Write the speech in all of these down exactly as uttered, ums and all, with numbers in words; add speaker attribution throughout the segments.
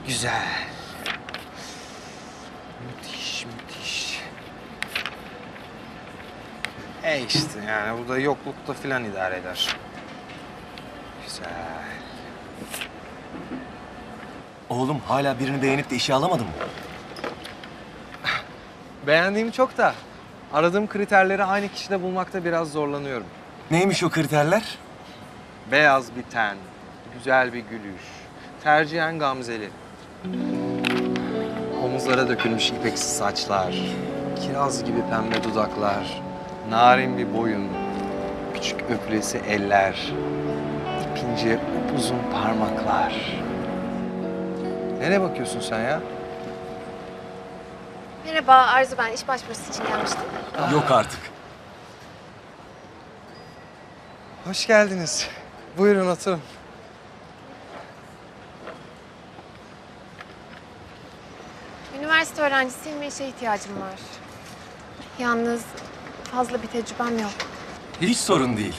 Speaker 1: Güzel. Müthiş, müthiş. E işte yani bu da yoklukta filan idare eder. Güzel.
Speaker 2: Oğlum hala birini beğenip de işe alamadın mı?
Speaker 1: Beğendiğim çok da aradığım kriterleri aynı kişide bulmakta biraz zorlanıyorum.
Speaker 2: Neymiş o kriterler?
Speaker 1: Beyaz bir ten, güzel bir gülüş, tercihen gamzeli. Omuzlara dökülmüş ipeksi saçlar, kiraz gibi pembe dudaklar, narin bir boyun, küçük öpülesi eller, ipince uzun parmaklar. Nereye bakıyorsun sen ya?
Speaker 3: Merhaba Arzu, ben iş başvurusu için gelmiştim.
Speaker 2: Yok artık.
Speaker 1: Hoş geldiniz. Buyurun oturun.
Speaker 3: Üniversite öğrencisiyim ve işe ihtiyacım var. Yalnız fazla bir tecrübem yok.
Speaker 2: Hiç sorun değil.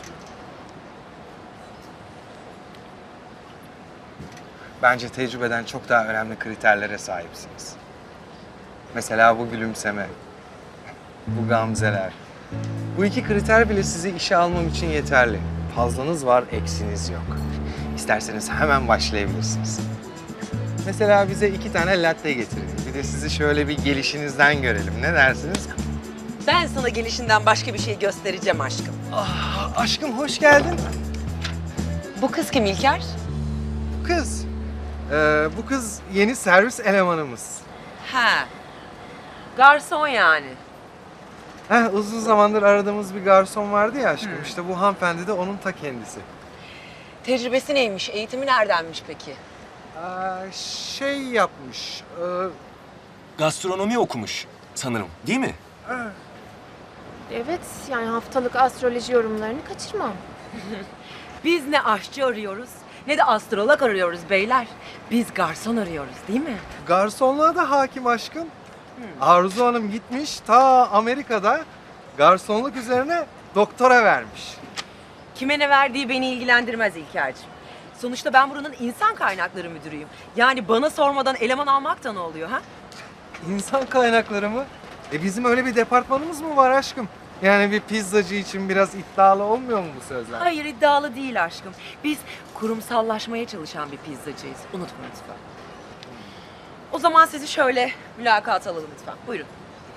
Speaker 1: Bence tecrübeden çok daha önemli kriterlere sahipsiniz. Mesela bu gülümseme, bu gamzeler. Bu iki kriter bile sizi işe almam için yeterli. Fazlanız var, eksiniz yok. İsterseniz hemen başlayabilirsiniz. Mesela bize iki tane latte getirin. Bir de sizi şöyle bir gelişinizden görelim. Ne dersiniz?
Speaker 4: Ben sana gelişinden başka bir şey göstereceğim aşkım.
Speaker 1: Ah, aşkım hoş geldin.
Speaker 4: Bu kız kim İlker?
Speaker 1: Bu kız. Ee, bu kız yeni servis elemanımız.
Speaker 4: Ha. Garson yani.
Speaker 1: Heh, uzun zamandır aradığımız bir garson vardı ya aşkım. İşte bu hanımefendi de onun ta kendisi.
Speaker 4: Tecrübesi neymiş? Eğitimi neredenmiş peki?
Speaker 1: Aa, şey yapmış. E,
Speaker 2: Gastronomi okumuş sanırım, değil mi?
Speaker 3: Evet, yani haftalık astroloji yorumlarını kaçırmam.
Speaker 4: Biz ne aşçı arıyoruz ne de astrolog arıyoruz beyler. Biz garson arıyoruz değil mi?
Speaker 1: garsonluğa da hakim aşkım. Arzu Hanım gitmiş ta Amerika'da garsonluk üzerine doktora vermiş.
Speaker 4: Kime ne verdiği beni ilgilendirmez İlker'ciğim. Sonuçta ben buranın insan kaynakları müdürüyüm. Yani bana sormadan eleman almak da ne oluyor ha?
Speaker 1: İnsan kaynakları mı? E bizim öyle bir departmanımız mı var aşkım? Yani bir pizzacı için biraz iddialı olmuyor mu bu sözler?
Speaker 4: Hayır iddialı değil aşkım. Biz kurumsallaşmaya çalışan bir pizzacıyız. Unutma lütfen. O zaman sizi şöyle mülakat alalım lütfen. Buyurun.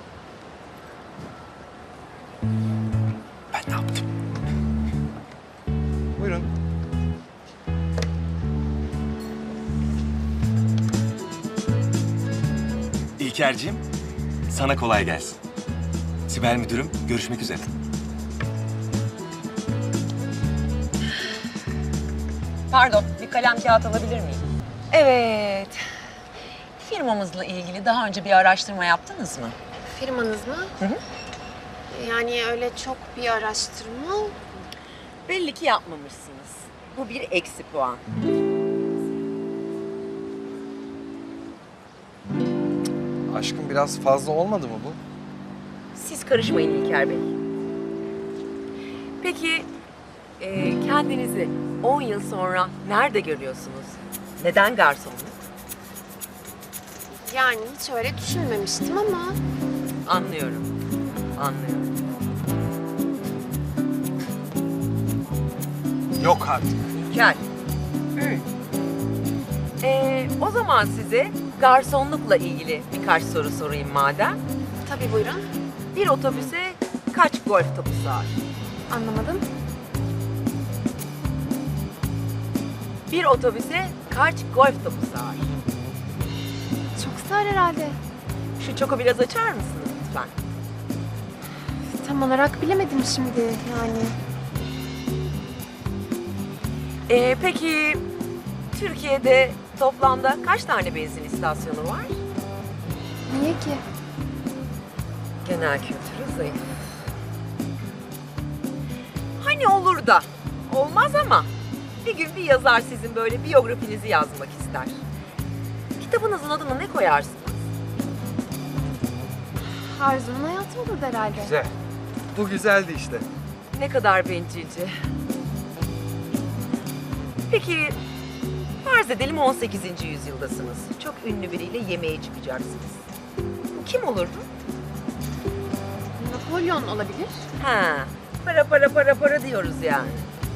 Speaker 2: Ben ne yaptım?
Speaker 1: Buyurun.
Speaker 2: İlker'cim, sana kolay gelsin. Sibel müdürüm, görüşmek üzere.
Speaker 4: Pardon, bir kalem kağıt alabilir miyim? Evet. Firmamızla ilgili daha önce bir araştırma yaptınız mı?
Speaker 3: Firmanız mı?
Speaker 4: Hı hı.
Speaker 3: Yani öyle çok bir araştırma.
Speaker 4: Belli ki yapmamışsınız. Bu bir eksi puan.
Speaker 1: Aşkım biraz fazla olmadı mı bu?
Speaker 4: Siz karışmayın İlker Bey. Peki e, kendinizi on yıl sonra nerede görüyorsunuz? Neden garsonluk?
Speaker 3: Yani hiç öyle düşünmemiştim ama
Speaker 4: Anlıyorum. Anlıyorum.
Speaker 1: Yok artık.
Speaker 4: İlker. Hı. E, o zaman size garsonlukla ilgili birkaç soru sorayım madem.
Speaker 3: tabii buyurun.
Speaker 4: Bir otobüse kaç golf topu sığar?
Speaker 3: Anlamadım.
Speaker 4: Bir otobüse kaç golf topu sığar?
Speaker 3: Çok sağır herhalde.
Speaker 4: Şu çoku biraz açar mısınız lütfen?
Speaker 3: Tam olarak bilemedim şimdi yani.
Speaker 4: Ee, peki Türkiye'de toplamda kaç tane benzin istasyonu var?
Speaker 3: Niye ki?
Speaker 4: Genel kültürü zayıf. Hani olur da olmaz ama bir gün bir yazar sizin böyle biyografinizi yazmak ister. Kitabınızın adını ne koyarsınız?
Speaker 3: Arzu'nun hayatı olur herhalde.
Speaker 1: Güzel. Bu güzeldi işte.
Speaker 4: Ne kadar bencilce. Peki Farz edelim on sekizinci yüzyıldasınız. Çok ünlü biriyle yemeğe çıkacaksınız. Kim olurdu?
Speaker 3: Napolyon olabilir.
Speaker 4: Ha, para para para para diyoruz yani.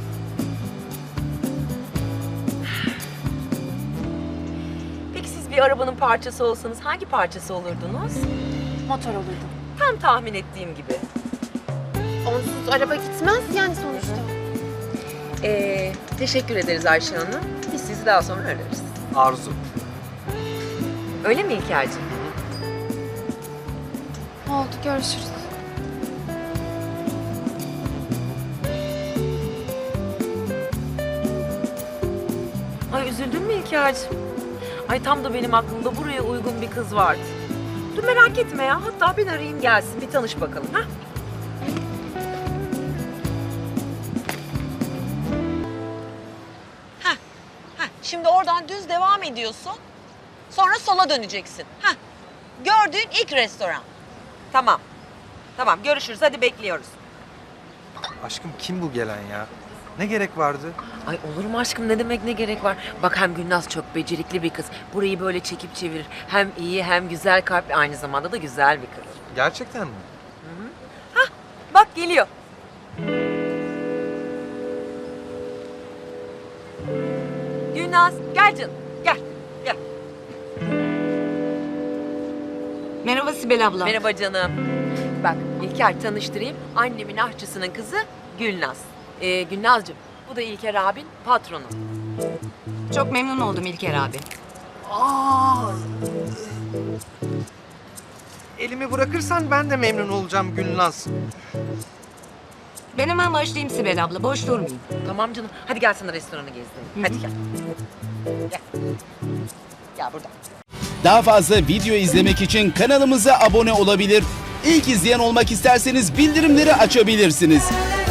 Speaker 4: Peki siz bir arabanın parçası olsanız hangi parçası olurdunuz?
Speaker 3: Motor olurdu.
Speaker 4: Tam tahmin ettiğim gibi.
Speaker 3: Onsuz araba gitmez yani sonuçta.
Speaker 4: Ee, teşekkür ederiz Ayşe Hanım. Biz sizi daha sonra ararız.
Speaker 1: Arzu.
Speaker 4: Öyle mi İlker'cim?
Speaker 3: Oldu, görüşürüz.
Speaker 4: Ay üzüldün mü İlker'cim? Ay tam da benim aklımda buraya uygun bir kız vardı. Dur merak etme ya. Hatta ben arayayım gelsin. Bir tanış bakalım. Ha? Heh, heh. Şimdi oradan düz devam ediyorsun. Sonra sola döneceksin. Heh. Gördüğün ilk restoran. Tamam. Tamam görüşürüz. Hadi bekliyoruz.
Speaker 1: Aşkım kim bu gelen ya? Ne gerek vardı?
Speaker 4: Ay olur mu aşkım ne demek ne gerek var? Bak hem Gülnaz çok becerikli bir kız. Burayı böyle çekip çevirir. Hem iyi hem güzel kalpli aynı zamanda da güzel bir kız.
Speaker 1: Gerçekten mi?
Speaker 4: Bak geliyor. Gülnaz gel canım gel gel.
Speaker 5: Merhaba Sibel abla.
Speaker 4: Merhaba canım. Bak İlker tanıştırayım. Annemin aşçısının kızı Gülnaz. Ee, Gülnazcığım bu da İlker abin patronu.
Speaker 5: Çok memnun oldum İlker abi.
Speaker 1: Elimi bırakırsan ben de memnun olacağım Gülnaz.
Speaker 5: Ben hemen başlayayım Sibel abla. Boş durmayayım.
Speaker 4: Tamam canım. Hadi gel sana restoranı gezdirelim. Hadi gel. Gel. Gel buradan.
Speaker 6: Daha fazla video izlemek için kanalımıza abone olabilir. İlk izleyen olmak isterseniz bildirimleri açabilirsiniz.